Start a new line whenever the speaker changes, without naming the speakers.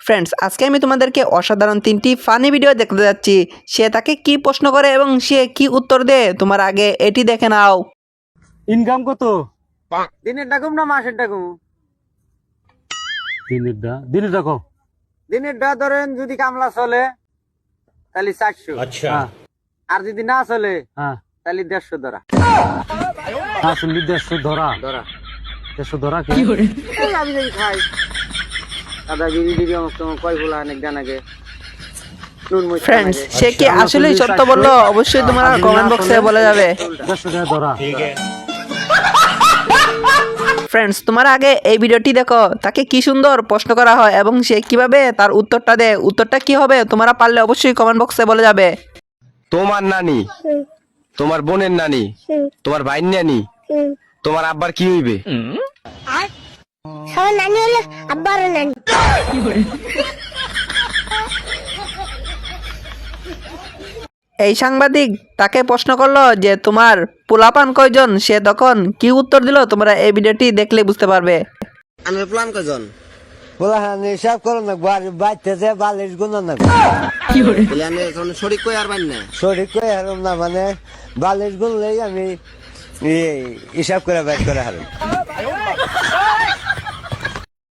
Friends, আজকে আমি তোমাদেরকে অসাধারণ 3টি ফানি ভিডিও দেখতে যাচ্ছি। সে তাকে কি প্রশ্ন করে এবং সে কি উত্তর দেয়, তোমার আগে এটি দেখে নাও।
ইনকাম কত?
দিনের ডাকুম না মাসের ডাকুম?
দিনের ডাকো।
দিনের ডা ধরেন যদি কামলা চলে তাহলে 400,
আচ্ছা।
আর যদি না চলে
হ্যাঁ,
তাহলে 150 ধরা।
আসলে 150 ধরা।
ধরা
150 ধরা কি?
এই আমি যদি খাই দাদা বিড়ি দিবি আমার তো কয় ফুলা অনেক জানাগে নুন মরিচ
ফ্রেন্ডস,
জানাগে।
সে কি আসলে সত্য বললো? অবশ্যই তোমরা কমেন্ট বক্সে বলে যাবে।
150 টাকা ধরা।
ফ্রেন্ডস, তোমার আগে এই ভিডিওটি দেখো, তাকে কি সুন্দর প্রশ্ন করা হয় এবং সে কিভাবে তার উত্তরটা দেয়। উত্তরটা কি হবে তোমরা পারলে অবশ্যই কমেন্ট বক্সে বলে যাবে।
তোমার নানি, তোমার বোনের নানি, তোমার ভাইয়ের নানি, তোমার আব্বার কি হইবে?
সবার নানি হলো আব্বারও নানি।
এই সাংবাদিক তাকে প্রশ্ন করলো যে তোমার পোলাপান কয়জন, সে তখন কি উত্তর দিল তোমরা এই ভিডিওটি দেখলে বুঝতে পারবে।
আমি প্ল্যান কয়জন
পোলাহানি হিসাব করো না, বাড়িতে যে বালিশ গুণ না
প্ল্যানে শরীর কই আর বাইন না
শরীর করে হারুম না, মানে বালিশ গুনলেই আমি হিসাব করে বাইর করে হারুম।